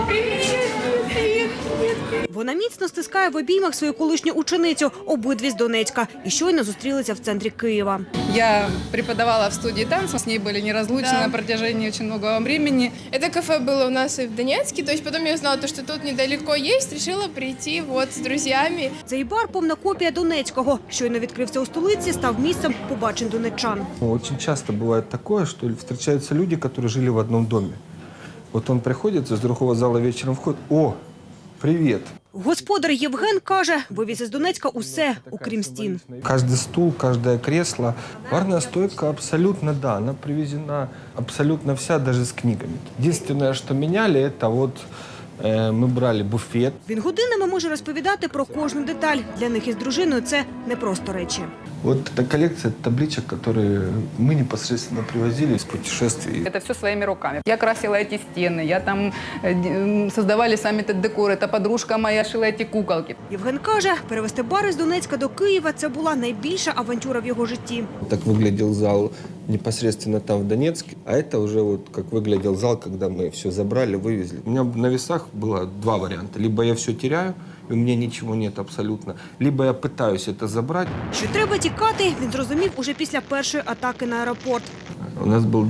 Вона міцно стискає в обіймах свою колишню ученицю, обидві з Донецька, і щойно зустрілися в центрі Києва. Я преподавала в студии танцев, с ней были неразлучны на протяжении очень многого времени. Это кафе было у нас и в Донецке, то есть потом я узнала, что тут недалеко есть, решила прийти вот с друзьями. Цей бар – повна копія Донецького. Щойно відкрився у столиці, став місцем побачень донеччан. Очень часто бывает такое, что встречаются люди, которые жили в одном доме. Вот он приходит, из другого зала вечером входит: «О, привет!» Господар Євген каже, вивіз із Донецька усе, окрім стін. Каждый стул, каждое кресло. Барная стойка абсолютно, да, она привезена абсолютно вся, даже с книгами. Единственное, что меняли, это вот мы брали буфет. Він годинами може розповідати про кожну деталь. Для них із дружиною це не просто речі. Вот эта коллекция табличек, которые мы непосредственно привозили из путешествий. Это все своими руками. Я красила эти стены, я там создавали сами этот декор, эта подружка моя шила эти куколки. Євген каже, перевезти бар із Донецька до Києва – це була найбільша авантюра в його житті. Так выглядел зал непосредственно там в Донецке, а это уже вот как выглядел зал, когда мы все забрали, вывезли. У меня на весах было два варианта. Либо я все теряю, и у меня ничего нет абсолютно, либо я пытаюсь это забрать. Що треба тікати, він зрозумів уже після першої атаки на аеропорт. У нас был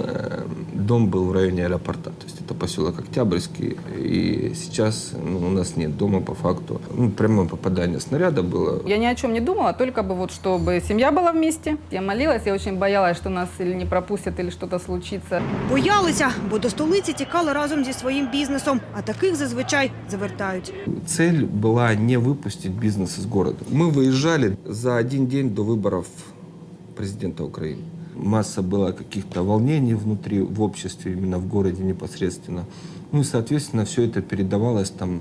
дом был в районе аэропорта, то есть это поселок Октябрьский, и сейчас у нас нет дома по факту. Прямое попадание снаряда было. Я ни о чем не думала, только бы вот чтобы семья была вместе. Я молилась, я очень боялась, что нас или не пропустят, или что-то случится. Боялися, бо до столиці тікали разом зі своїм бізнесом, а таких зазвичай завертають. Цель была не выпустить бизнес из города. Мы выезжали за один день до выборов президента Украины. Масса была каких-то волнений внутри, в обществе, именно в городе непосредственно. Ну и, соответственно, все это передавалось там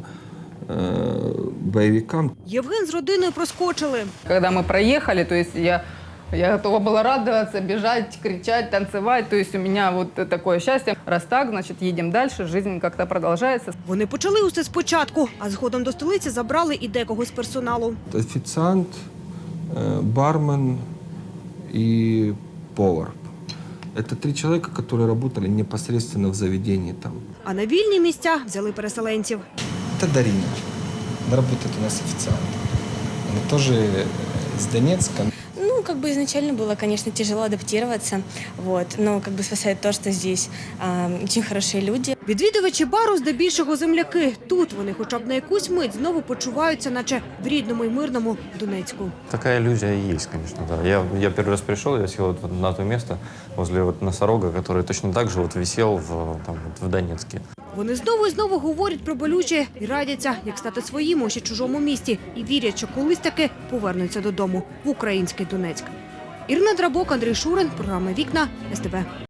боевикам. Євген з родиною проскочили. Когда мы проехали, то есть я готова была радоваться, бежать, кричать, танцевать. То есть у меня вот такое счастье. Раз так, значит, едем дальше, жизнь как-то продолжается. Вони почали усе спочатку, а згодом до столиці забрали і декого з персоналу. Официант, бармен и повар. Это 3 человека, которые работали непосредственно в заведении там. А на вільні місця взяли переселенців. Это Дарина. Она работает у нас официантом. Она тоже из Донецка. Ну, как бы изначально было, конечно, тяжело адаптироваться, вот, но как бы спасает то, что здесь очень хорошие люди. Відвідувачі бару здебільшого земляки. Тут вони хоча б на якусь мить знову почуваються, наче в рідному і мирному Донецьку. Такая иллюзия есть, конечно, да. Я первый раз пришел, я сел вот на то место возле вот носорога, который точно так же вот висел в Донецке. Вони знову і знову говорять про болюче і радяться, як стати своїм у ще чужому місті. І вірять, що колись таки повернуться додому в український Донецьк. Ірина Драбок, Андрій Шурин, програма «Вікна», СТБ.